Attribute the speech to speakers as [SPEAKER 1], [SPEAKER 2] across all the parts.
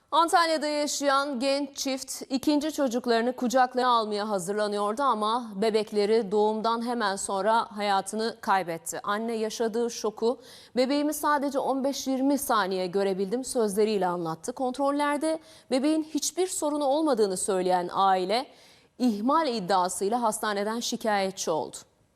[SPEAKER 1] Antalya'da yaşayan genç çift ikinci çocuklarını kucaklarına almaya hazırlanıyordu ama bebekleri doğumdan hemen sonra hayatını kaybetti. Anne yaşadığı şoku bebeğimi sadece 15-20 saniye görebildim sözleriyle anlattı. Kontrollerde bebeğin hiçbir sorunu olmadığını söyleyen aile ihmal iddiasıyla hastaneden şikayetçi oldu.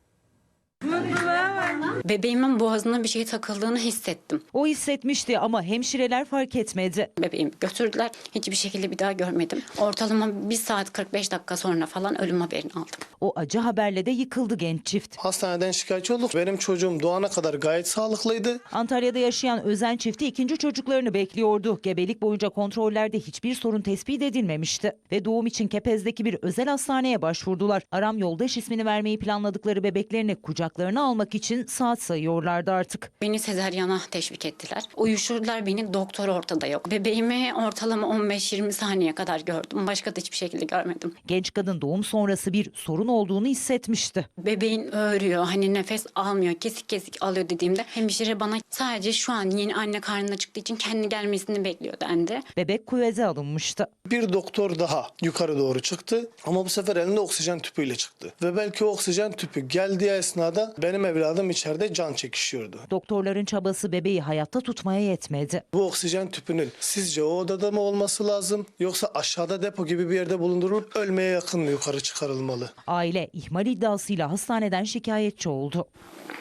[SPEAKER 2] Bebeğimin boğazına bir şey takıldığını hissettim.
[SPEAKER 3] O hissetmişti ama hemşireler fark etmedi.
[SPEAKER 2] Bebeğimi götürdüler. Hiçbir şekilde bir daha görmedim. Ortalama 1 saat 45 dakika sonra falan ölüm haberini aldım.
[SPEAKER 3] O acı haberle de yıkıldı genç çift.
[SPEAKER 4] Hastaneden şikayetçi olduk. Benim çocuğum doğana kadar gayet sağlıklıydı.
[SPEAKER 3] Antalya'da yaşayan Özen çifti ikinci çocuklarını bekliyordu. Gebelik boyunca kontrollerde hiçbir sorun tespit edilmemişti. Ve doğum için Kepez'deki bir özel hastaneye başvurdular. Aram Yoldaş ismini vermeyi planladıkları bebeklerini kucaklarına almak için saat sayıyorlardı artık.
[SPEAKER 2] Beni sezaryana teşvik ettiler. Uyuşturdular beni, doktor ortada yok. Bebeğimi ortalama 15-20 saniye kadar gördüm. Başka da hiçbir şekilde görmedim.
[SPEAKER 3] Genç kadın doğum sonrası bir sorun olduğunu hissetmişti.
[SPEAKER 2] Bebeğin öğürüyor, hani nefes almıyor, kesik kesik alıyor dediğimde hemşire bana sadece şu an yeni anne karnına çıktığı için kendi gelmesini bekliyor dendi.
[SPEAKER 3] Bebek kuveze alınmıştı.
[SPEAKER 4] Bir doktor daha yukarı doğru çıktı ama bu sefer elinde oksijen tüpüyle çıktı. Ve belki o oksijen tüpü geldiği esnada benim evladım içeride can çekişiyordu.
[SPEAKER 3] Doktorların çabası bebeği hayatta tutmaya yetmedi.
[SPEAKER 4] Bu oksijen tüpünün sizce o odada mı olması lazım yoksa aşağıda depo gibi bir yerde bulundurulup ölmeye yakın mı yukarı çıkarılmalı?
[SPEAKER 3] Aile ihmal iddiasıyla hastaneden şikayetçi oldu.